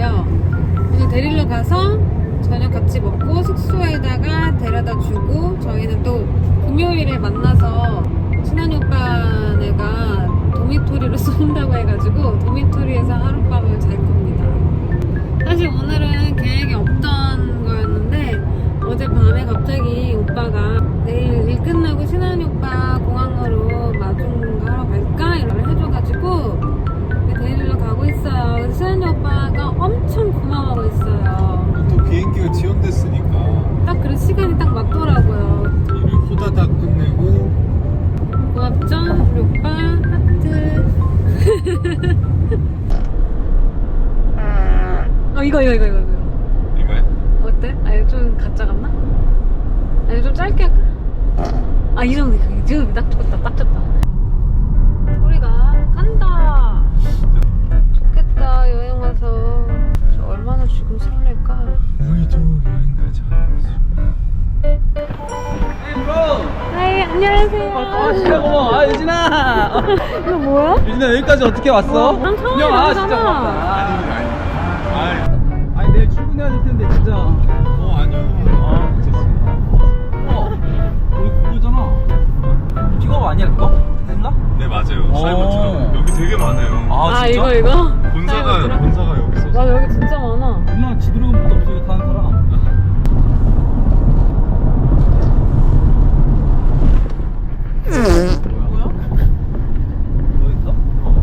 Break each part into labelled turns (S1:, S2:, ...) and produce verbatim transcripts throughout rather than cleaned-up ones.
S1: 거예요. 오늘 데리러 가서 저녁 같이 먹고 숙소에다가 데려다 주고 저희는 또 금요일에 만나서 친한 오빠네가 도미토리로 쏜다고 해가지고 도미토리에서 하룻밤을 잘 겁니다. 사실 오늘은 계획이 없던 거였는데 어젯밤에 갑자기 오빠가 내일 일 끝나고 신한이 오빠 공항으로 마중하러 갈까? 이런 걸 해줘가지고 데리러 가고 있어요. 그래서 신한이 오빠가 엄청 고마워하고 있어요.
S2: 또 비행기가 지연됐으니까
S1: 딱 그런 시간이 딱 맞더라고요.
S2: 일을 호다닥 끝내고.
S1: 고맙죠? 우리 오빠 하트. 어 이거 이거 이거 이거 이거
S2: 이거야?
S1: 어때? 아 이거 좀 가짜 같나? 아니 좀 짧게 할까? 아 이 정도 이 정도 딱 좋다 딱 좋다. 우리가 간다. 좋겠다 여행 와서. 저 얼마나 지금 설렐까?
S2: 우리도 여행 가자.
S1: 하이 안녕하세요.
S3: 아 진짜 고마워. 아 유진아.
S1: 이거 뭐야?
S3: 유진아 여기까지 어떻게 왔어?
S1: 어, 난 처음에
S3: 안녕. 아
S1: 왔잖아.
S3: 진짜 고맙다.
S2: 아니 아니. 아니.
S3: 아니 내일 출근해야 될 텐데 진짜.
S2: 어 아니요.
S3: 아 어 여기 그거잖아. 픽업 아니야 그거? 됐나?
S2: 네 맞아요.
S3: 어.
S2: 사이버트럭 여기 되게 많아요.
S3: 아,
S1: 아
S3: 진짜?
S1: 이거 이거?
S2: 본사가
S1: 사이버트럭?
S2: 본사가 여기 있어서.
S1: 맞아 여기 진짜 많아.
S3: 누나 지드래곤부터 없어 이거 타는 사람. 뭐야? 뭐 있어?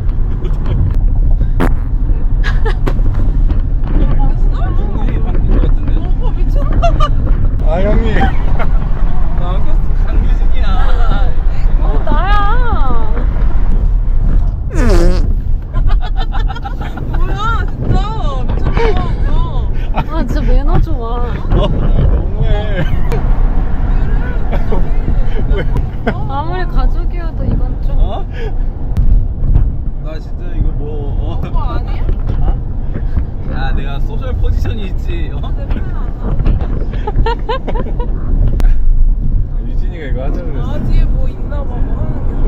S3: 충분히 바뀐 것 같은데? 오빠 미쳤나?
S2: 아 형님.
S3: 나 강유진이야.
S1: 어 나야.
S4: 뭐야 진짜 미쳤나
S1: 아 진짜 매너 좋아.
S2: 어, 너무해. 왜?
S1: 아무리 가족이어도 이건 좀.
S3: 어? 나 진짜 이거 뭐 어?
S4: 오빠 아니야?
S3: 어? 야 내가 소셜 포지션이 있지 어?
S2: 아, 유진이가 이거 하자 그랬어.
S4: 아 뒤에 뭐 있나봐 뭐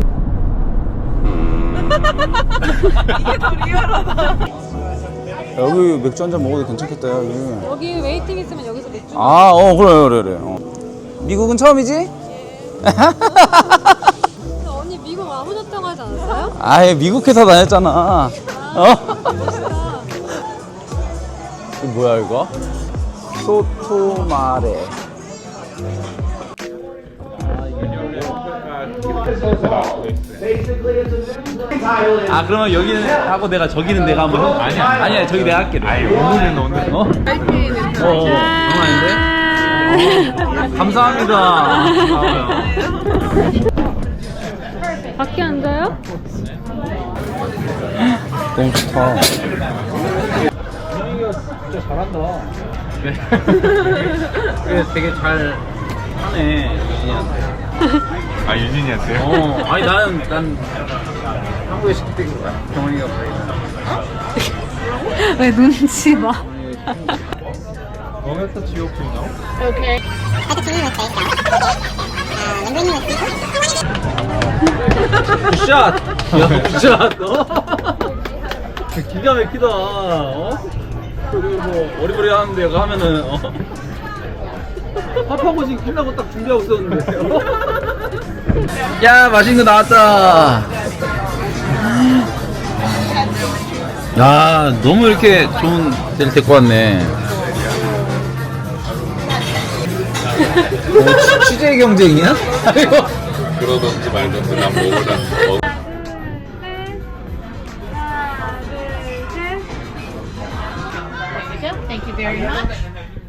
S4: 하는 게 이게 더 리얼하다.
S5: 여기 맥주 한잔 먹어도 괜찮겠다 여기.
S1: 여기 웨이팅 있으면 여기서 맥주.
S5: 아, 어 그래 그래 그래. 어. 미국은 처음이지?
S1: 근데 언니 미국 와보셨다고 하지 않았어요?
S5: 아예 미국 회사 다녔잖아. 어?
S1: 멋있다.
S5: 이거 뭐야 이거? 소토마레.
S3: 아 그러면 여기는 하고 내가 저기는 내가 한번 해? 아니야 아니야 저기 내가 할게
S2: 아니 오늘은 오늘.
S3: 어? 어? 어 장난 아닌데? 어, 감사합니다. 아,
S1: 밖에 앉아요?
S5: 너무 좋다.
S3: 준영이가 진짜 잘한다. 그래. 그래 되게 잘 하네 유진이한테.
S2: 아 유진이한테요?
S3: 어 아니 나는 난 한국에 시킬 때 경원이가
S1: 왜 눈치 봐?
S2: Momento de opinião.
S1: 오케이.
S3: 굿샷! 야 굿샷! 어? 기가 막히다 어? 그리고 뭐 어리버리 하는데 이거 하면은 어? 밥하고 지금 끝나고 딱 준비하고 있었는데 어? 야 맛있는 거 나왔다 야 너무 이렇게 좋은 데를 데리고 왔네 어, 취재 경쟁이야?
S2: 그러던지 말던지 난 먹으라. 먹...
S6: Thank you very much.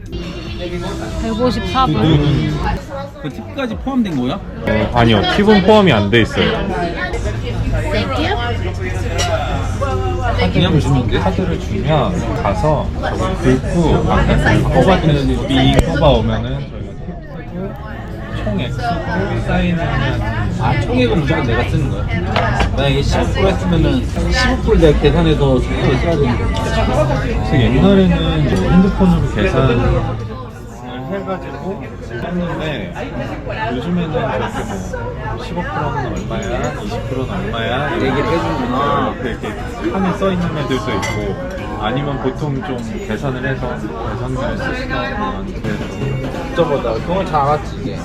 S1: 백오십사 불.
S3: 그 팁까지 포함된 거야?
S7: 어, 아니요, 팁은 포함이 안 돼 있어요.
S6: Thank you.
S3: 그냥 주면 돼?
S7: 카드를 주면 가서 저걸 긁고 뽑아주는 빙 뽑아오면은 저희가 팁 쓰고 총 액수 사인하면
S3: 아 총액은 무조건 내가 쓰는 거야? 만약에 십오 퍼센트 했으면은 십오 퍼센트 내가 계산해서 총액을 써야 되는 거야
S7: 그래서 옛날에는 이제 핸드폰으로 계산을 해가지고 했는데 요즘에는 그렇게 뭐 십오 퍼센트는 얼마야, 이십 퍼센트는 얼마야
S3: 얘기를 해주는구나.
S7: 이렇게 판에 써 있는 애들도 있고 아니면 보통 좀 계산을 해서 계산기를 쓸 수가 없는 그래서
S3: 저보다 그건 작았지 이게.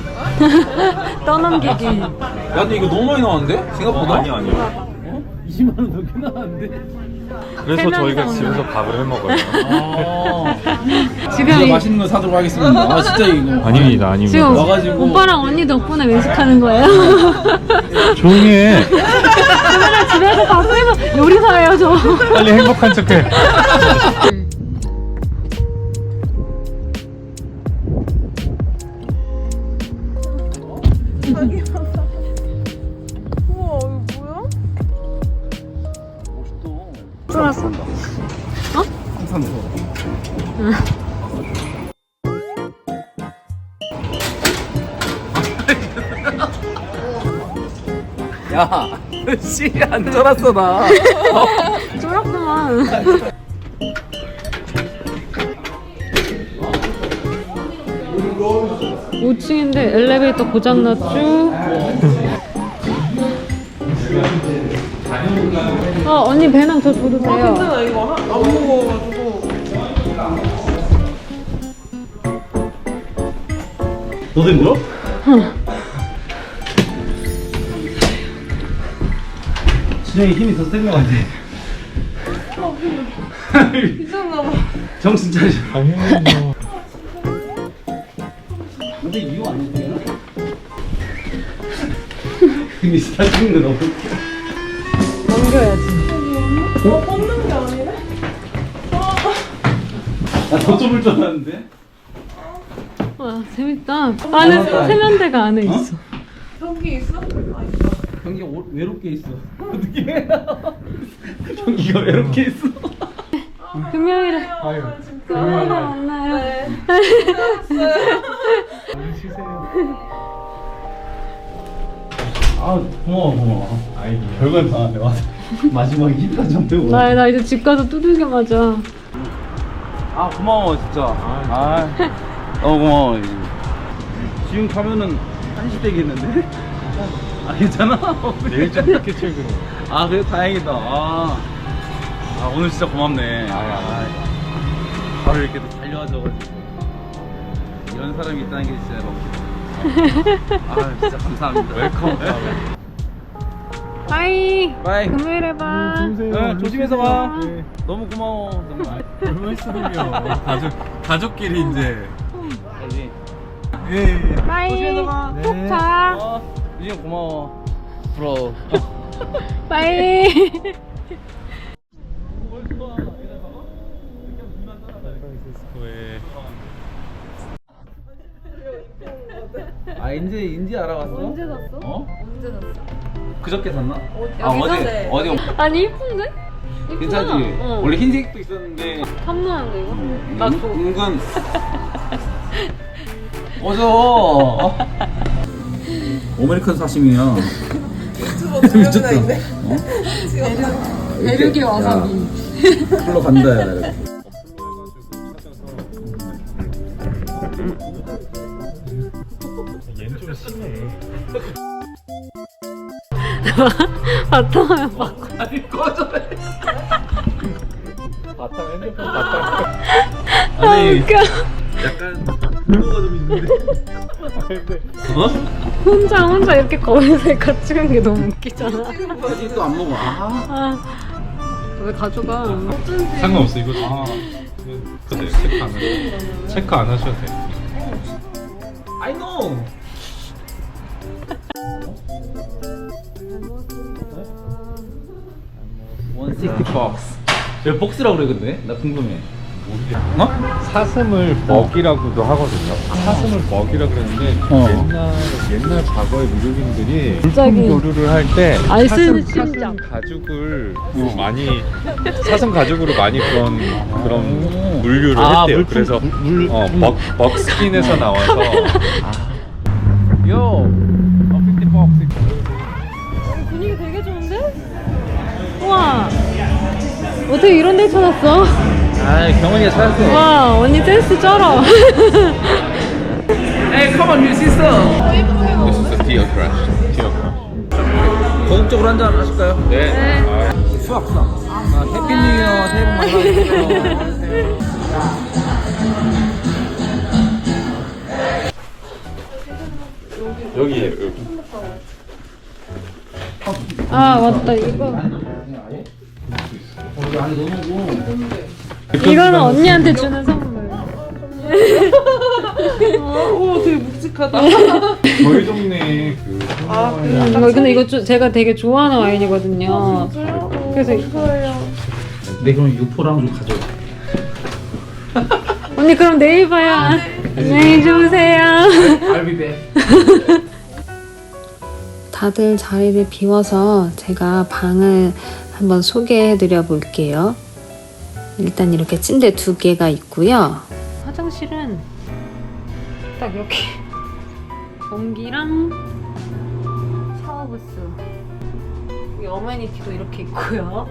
S1: 떠넘기기.
S3: 야 근데 이거 너무 많이 나왔는데? 생각보다?
S7: 어, 아니 아니요.
S3: 이십만 원 넘게 나왔는데?
S7: 그래서
S1: 세
S7: 저희가
S1: 명이서
S7: 집에서 밥을 해 먹어요.
S3: 아.
S1: 지금
S3: 진짜
S1: 이-
S3: 맛있는 거 사도록 하겠습니다. 아 진짜 이거.
S7: 아닙니다, 아닙니다.
S1: 지금
S3: 와가지고.
S1: 오빠랑 언니 덕분에 외식하는 거예요?
S7: 조용히 해.
S1: 그러면 집에서 밥 해서 요리사예요 저.
S7: 빨리 행복한 척해.
S4: 우와 이거 뭐야?
S1: 쫄았어? 어?
S3: 야, 씨, 안 쫄았어, 나.
S1: 쫄았구만. 오 층인데 엘리베이터 고장났죠? 어 언니 배낭 저 줘도 돼요.
S4: 괜찮아 이거 하- 안 먹어가지고.
S3: 너도 힘들어? 진영이 힘이 더 센 것 같아.
S4: 미쳤나 봐.
S3: 정신 차려.
S7: 당연히 뭐.
S3: 근데 이거 안 해도 되나? 근데 스타트는 거 너무 웃겨.
S1: 넘겨야지.
S4: 어 뻗는 게 아니네?
S3: 나더 좁을 줄 알았는데?
S1: 와 재밌다. 안에 세면대가 안에 있어.
S4: 저기 있어? 아
S3: 경기가 오- 외롭게 있어. 어떻게 경기가 외롭게 있어.
S1: 금요일에
S7: 아유,
S1: 금요일에 만나요.
S4: 네.
S3: 아 고마워 고마워. 아이 별걸 다 하네 와서 마지막에 힘까지 좀 되고.
S1: 나, 나 이제 집 가서 두들겨 맞아.
S3: 아 고마워 진짜. 아 너무 고마워. 지금 가면은 한시 되겠는데? 아 괜찮아?
S7: 내일 좀 늦게 출근해.
S3: 아 그래 다행이다. 아, 아 오늘 진짜 고맙네. 아, 아, 바로 이렇게 또 달려와줘가지고 이런 사람이 있다는 게 진짜 막. 아 진짜 감사합니다.
S7: 웰컴.
S1: 바이.
S3: 바이.
S1: 금요일에 봐.
S3: 응, 조심해서 가.
S7: 네.
S3: 너무 고마워 정말.
S7: 별 말씀을요. 가족 가족끼리 이제.
S3: 알지?
S7: 예. 예.
S1: 바이.
S3: 조심해서 가.
S1: 푹
S7: 네.
S1: 자.
S3: 어, 유진 고마워. 부러워.
S1: 바이.
S3: 아 이제 인지 알아봤어?
S1: 언제 샀어?
S3: 어?
S1: 언제 샀어?
S3: 그저께 샀나?
S1: 여기
S3: 아 어제
S1: 샀네.
S3: 어제
S1: 아니 이쁜데? 이쁘다.
S3: 괜찮지?
S1: 어.
S3: 원래 흰색도 있었는데
S1: 탐나는데 이거? 나
S3: 은,
S1: 줘.
S3: 은근 어저 아메리칸 사시미야.
S4: 유튜버 두 명이나 있네.
S1: 대륙의 와사비.
S3: 풀러 간다 야. 이렇게.
S7: 얘는 좀 심해.
S1: 바탕화면 바꿔.
S3: 아니 꺼져래.
S7: 바탕 핸드폰 바탕.
S1: 아
S3: 아니
S1: 웃겨.
S3: 약간 불도가 좀 있는데. 어?
S1: 혼자 혼자 이렇게 거울에 같이 간 게 너무 웃기잖아.
S3: 아직 또안 먹어. 아.
S1: 아. 왜 가져가?
S7: 상관없어 이거.
S3: 아.
S7: 네, 체크 안 하셔도 체크 안 하셔도 돼.
S3: I know. 백육십 박스. 왜 박스라고 그래 근데? 나 궁금해.
S7: 어? 사슴을 먹이라고도 하거든요. 사슴을 먹이라 그러는데
S3: 어.
S7: 옛날 옛날 과거의 미국인들이
S1: 갑자기
S7: 물품 교류를 할 때
S1: 아이스
S7: 사슴,
S1: 심장.
S7: 사슴 가죽을 많이 사슴 가죽으로 많이 그런 그런 물류를
S3: 아,
S7: 했대요.
S3: 물품,
S7: 그래서
S3: 물- 물-
S7: 어,
S3: 음.
S7: 먹 먹스킨에서 나와서
S3: 요. 어, 백육십 박스.
S1: 분위기 되게 좋은데? 우와. 어떻게 이런 데 찾았어?
S3: 아, 경원이가 찾았어.
S1: 와, 언니 댄스 쩔어.
S3: 에이, come on, you sister.
S2: This is a Tia crush. Tia crush.
S3: 고급적으로 한잔 하실까요?
S2: 네. 아,
S3: 수학, 수학. 아, 해피 뉴 이어, 새해 복 많이 받으세요.
S2: 여기에 여기.
S1: 아, 맞다. 이거.
S3: 아니, 너무
S1: 이거는 언니한테 주는 선물.
S4: 오, 되게 묵직하다.
S7: 저희 동네 그
S4: 아,
S1: 음, 이거 근데 이거 좀 제가 되게 좋아하는 와인이거든요. 그래서
S3: 네, 그럼 유포랑 좀 가져와.
S1: 언니 그럼 내일 봐요. 안녕히 주무세요.
S3: I'll be back.
S1: 다들 자리를 비워서 제가 방을 한번 소개해 드려 볼게요. 일단 이렇게 침대 두 개가 있고요. 화장실은 딱 이렇게 변기랑 샤워부스, 여기 어메니티도 이렇게 있고요.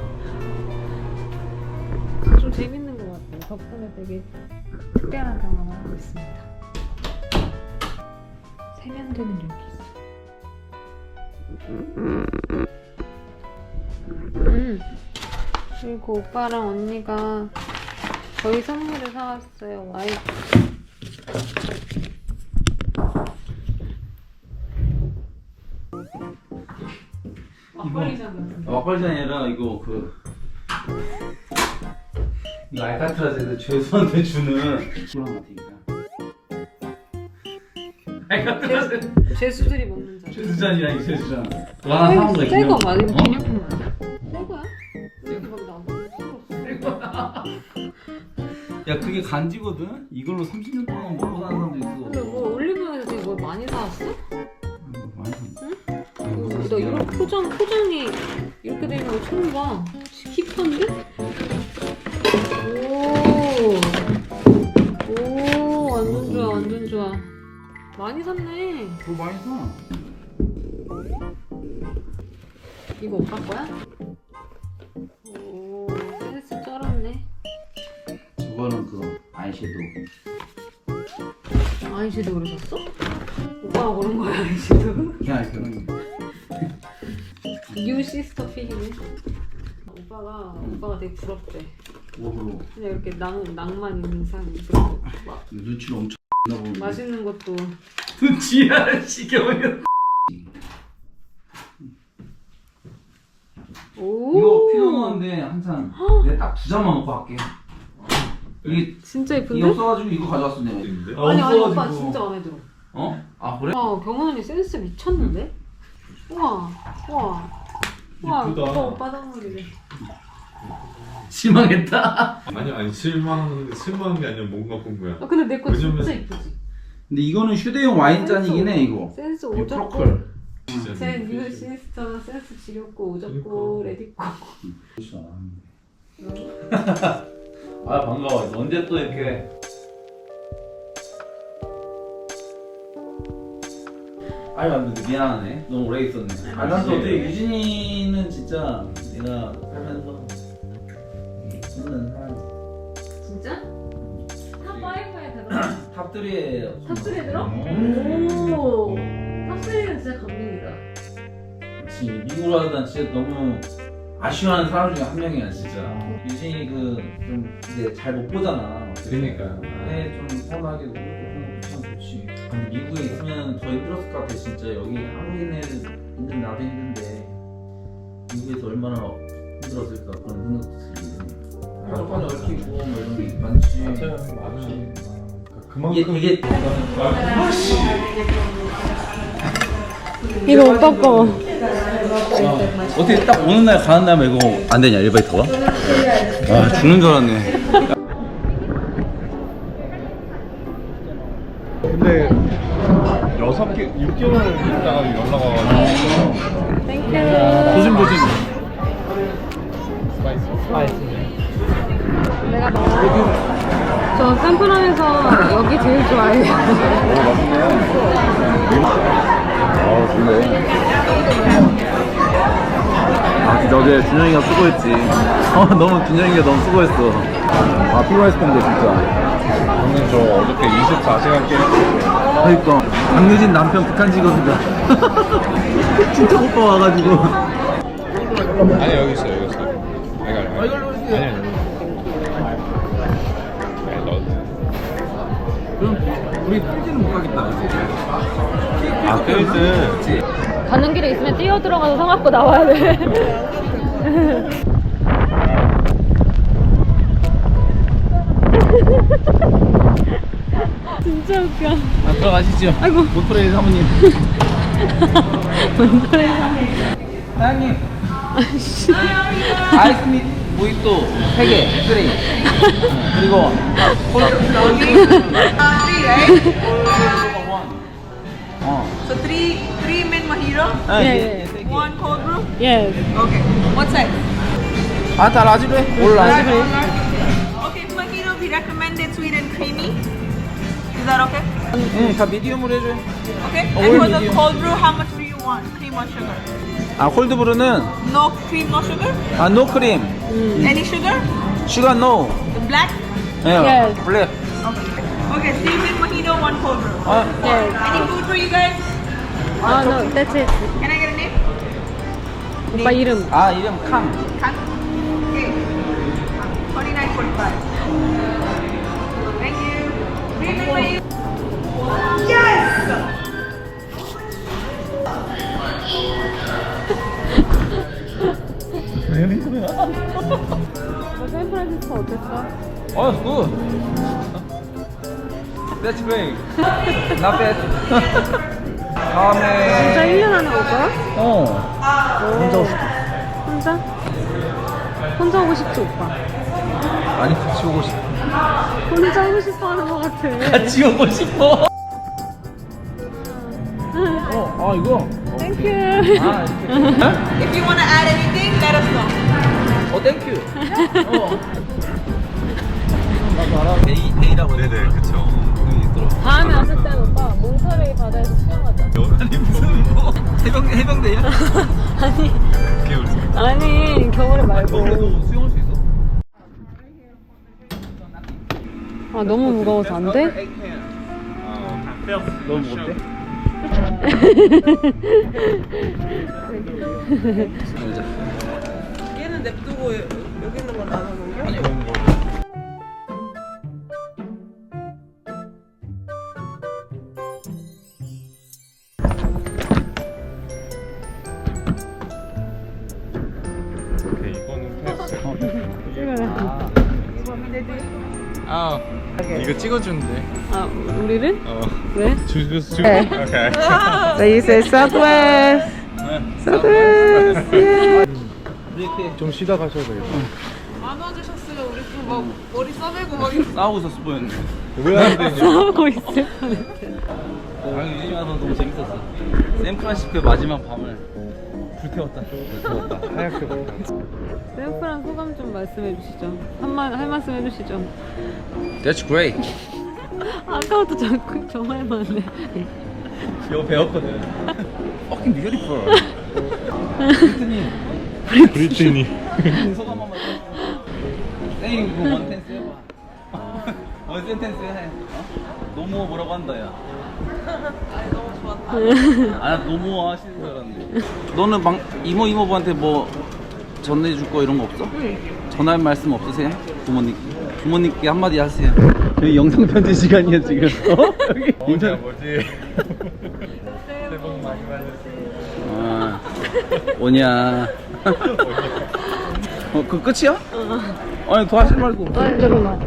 S1: 좀 재밌는 것 같아요. 덕분에 되게 특별한 경험을 하고 있습니다. 세면대는 여기 있어요. 음. 그리고 오빠랑 언니가 저희 선물을 사왔어요. 와이프. 막걸리잔 같은데.
S3: 막걸리잔 아니라 이거 그 이거 알카트라스에서 죄수한테 주는 그런 것 같으니까. 알카트라스
S1: 제수들이 먹는 잔.
S3: 죄수잔이야 이 죄수잔. 그거 하나 사온 거야.
S1: 새거 맞아? 이거
S3: 어?
S1: 기념품 맞아? 새거야? 이렇게 막 나와.
S3: 야 그게 간지거든? 이걸로 삼십 년 동안 먹고 사는 사람도 있어.
S1: 근데 뭐 올리브영에서 되게 뭐 많이 사왔어?
S3: 음, 많이 사.
S1: 어, 나 이런 포장, 포장이 이렇게 되는 거 처음 봐. 힙한데? 오, 오, 완전 좋아, 완전 좋아. 많이 샀네.
S3: 그거 많이 사.
S1: 이거 오빠 거야? 오, 센스 쩔었네.
S3: 저거는 그 아이섀도우.
S1: 아이섀도우를 샀어? 오빠가 고른 거야, 아이섀도우?
S3: 그냥 그런 거.
S1: 뉴 시스터 필이네. 오빠가, 오빠가 되게 부럽대.
S3: 뭐로?
S1: 그냥 이렇게 낭, 낭만 있는 삶. 그리고 막
S3: 눈치를 엄청 나보고.
S1: 맛있는 것도.
S3: 눈치야 시켜버려.
S1: 오,
S3: 이거 필요한데 한참 내가 딱 두 잔만 먹고 할게. 여기
S1: 진짜
S3: 이거
S1: 예쁜데?
S3: 없어가지고 이거 가져왔어 내가.
S1: 아니, 아니, 오빠 진짜 마음에 들어.
S3: 어? 아 그래?
S1: 와, 경원 언니 센스 미쳤는데? 우와, 우와. 우와,
S7: 이쁘다.
S1: 오빠, 오빠 선물이래.
S3: 실망했다.
S2: 아니 아니 실망 실망한 게 아니라 뭔가 본 거야.
S1: 아, 근데 내 거
S2: 왜냐면-
S1: 진짜 이쁘지?
S3: 근데 이거는 휴대용 와인잔이긴 해 이거.
S1: 센스
S3: 이
S1: 오졌고.
S3: 프로컬.
S2: 진짜.
S1: 제 뉴 시스터 센스 지렸고 오졌고 레디고.
S3: 아 반가워. 언제 또 이렇게. 아유 안 돼. 미안하네. 너무 오래 있었네. 아 난도 어떻게 유진이는 진짜 내가 살면서 저는 한
S1: 진짜? 탑오에 들어?
S3: 탑삼에
S1: 탑삼에 들어?
S3: 음.
S1: 오. 탑삼은 진짜 감동이다.
S3: 그치 미국으로 하다 진짜 너무 아쉬워하는 사람 중에 한 명이야 진짜. 유진이 그 좀 이제 잘 못 보잖아.
S2: 그러니까.
S3: 네, 좀 서운하게 그런 것도 참 좋지. 근데 미국에 있으면 더 힘들었을 것 같아 진짜. 여기 한국인에 있는 나도 힘든데 미국에서 얼마나 힘들었을까 그런 생각도 들고. 한국판이 얽히고 뭐 이런 게 많지.
S7: 맞아요. 많이. 그만큼
S3: 이게 이게
S1: 이거 오빠 거.
S3: 어떻게 딱 오는 날 가는 날 말고 안 되냐 엘리베이터가? 아 죽는 줄 알았네.
S7: 근데 여섯 개, 육 개월 있다가 연락 와가지고
S1: 땡큐.
S7: 조심 조심.
S1: 내가 너무. 저 샌프란에서 여기 제일 좋아해요.
S3: 아 좋네. 아 진짜 어제 준영이가 수고했지. 어 너무 준영이가 너무 수고했어. 아 피곤했을 텐데 진짜.
S7: 저는 저 어저께 이십사 시간 게임
S3: 그러니까 강유진 남편 북한 직업이다. 진짜 오빠 와가지고.
S7: 아니 여기 있어 여기 있어 아니 아니 아니
S3: 이걸로
S7: 아니 아니 아니 너
S3: 그럼 우리 필지는 못 가겠다.
S7: 아 그래서
S1: 가는 길에 있으면 뛰어 들어가서 성악고 나와야 돼. 진짜 웃겨.
S3: 아, 들어가시죠.
S1: 아이고.
S3: 모토레이 사모님.
S1: 뭔 소리야.
S3: 사장님. 아이스미 모히또 세 개, 쓰리. 그리고 어.
S4: So three three mint mojito,
S3: 아,
S1: 예,
S3: 예.
S4: one cold brew.
S1: 예.
S4: Okay. What size?
S3: 아, 다 라지로 해. 올 라지로 해.
S4: Okay, mojito we recommended sweet and creamy. Is that okay?
S3: 응, 다 미디움으로 해줘.
S4: Okay.
S3: Oh,
S4: And for
S3: all
S4: the
S3: medium.
S4: cold brew, how much do you want? Cream or sugar?
S3: 아, 콜드브루는
S4: No cream, no sugar.
S3: 아, 노 크림.
S4: Any sugar?
S3: 슈가 노.
S4: The black.
S3: 예.
S1: Yes.
S3: 블랙.
S4: Okay. Okay. Three mint mojito, one cold brew.
S3: 아,
S1: 예.
S4: Any food for you guys?
S1: 아, no, that's it.
S4: Can I get a name?
S1: 오빠 이름.
S3: 아, 이름 캉.
S4: Kang. Okay. Twenty-nine forty-five. Thank you. Three mint mojito. Yes.
S1: 너 샌프란시스코 어땠어?
S3: 어, 굿. That's great. Not bad.
S1: 진짜
S3: 다음에
S1: 일 년 안에 올 거야?
S3: 어. 혼자 오고 싶어.
S1: 혼자? 혼자 오고 싶지, 오빠?
S3: 아니 같이 오고 싶어.
S1: 혼자 오고 싶어 하는 거 같아.
S3: 같이 오고 싶어. 어, 아 이거.
S1: 땡큐.
S3: 아 이렇게.
S4: If you want to add anything, let us know.
S3: 어, 땡큐. 어. 나도 알아. 데이 데이라고.
S7: 네네 그쵸
S1: 다음에 왔을 땐 오빠 몬터레이 바다에서 수영하자.
S3: 아니 무슨 뭐 해병 해병대야?
S1: 아니,
S7: 그게 우리
S1: 아니 겨울에 말고.
S3: 겨울에도 수영할 수 있어?
S1: 아 너무 무거워서 안 돼?
S3: 너무 못돼?
S4: 얘는 냅두고 여기 있는 건 나눠 놓은
S3: 아니
S7: 오케이 이거는 패스
S3: 아 이거 찍어주는데.
S1: 아 우리를?
S7: 어
S1: 왜?
S7: 주스 주
S1: 네.
S7: 오케이
S4: So you say Southwest. Southwest. Yeah.
S3: 이렇게
S7: 좀 쉬다 가셔야 되겠다
S4: 안 와주셨으면 우리 또 막 머리 써매고 막
S3: 싸우고 있었어 보였는데.
S7: 왜 안 되냐
S1: 싸우고 있을 뻔했대.
S3: 아니 유진이 와서 너무 재밌었어. 샌프란시스코의 마지막 밤을 불태웠다.
S7: 하얗게 먹다
S1: 샌프란 소감 좀 말씀해 주시죠. 한말 할 말씀 해주시죠.
S3: That's great.
S1: 아까부터 자꾸 저 말만 해.
S3: 이거 배웠거든. Fucking beautiful. 브리트니.
S7: 브리트니
S3: 소감 한번 해. 땡, 이거 원텐스 해봐. 원 센텐스 해. 어? 노모 뭐라고 한다, 야.
S4: 아니 너무 좋았다.
S3: 아, 노모 하시는 줄 알았는데. 너는 막 이모 이모부한테 뭐 전해줄 거 이런 거 없어? 전할 말씀 없으세요? 부모님 부모님께 한마디 하세요. 여기 영상 편지 시간이야 지금. 어? 여기
S7: 뭐냐 뭐지 새해 복 많이 받으세요
S3: 아, 뭐냐. 어, 그 끝이야? 아니 더 하실 말고.
S1: 아니 잠깐만.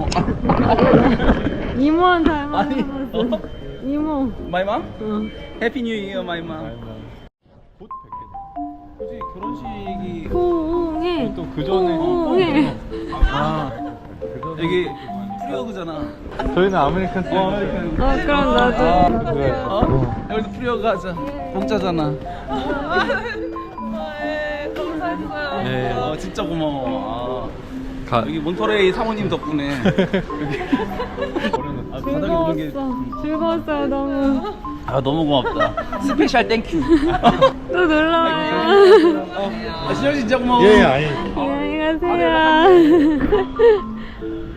S1: 이모한테 할 말씀.
S3: 아니, 어?
S1: 이모.
S3: 마이맘?
S1: 응.
S3: 해피 뉴 이어 마이맘.
S7: 곧
S3: 굳이 결혼식이
S1: 호응해.
S7: 또 그 전에
S1: 호응해.
S3: 아 여기 프리어그잖아.
S7: 저희는 아메리칸
S3: 어, 아메리칸.
S1: 어 그럼 나도.
S7: 네.
S3: 어? 여기도 프리어그 하자. 공짜잖아.
S4: 네, 감사했어요.
S7: 네.
S3: 어 진짜 고마워. 아,
S7: 가
S3: 여기 몬터레이 사모님 덕분에 여기 아, 바닥에 누는 게.
S1: 즐거웠어. 즐거웠어요 너무.
S3: 아 너무 고맙다. 스페셜 땡큐.
S1: 또 놀러 와요.
S3: 어, 아, 신영 씨 진짜 고마워.
S7: 예, 아니
S1: 안녕히 가세요.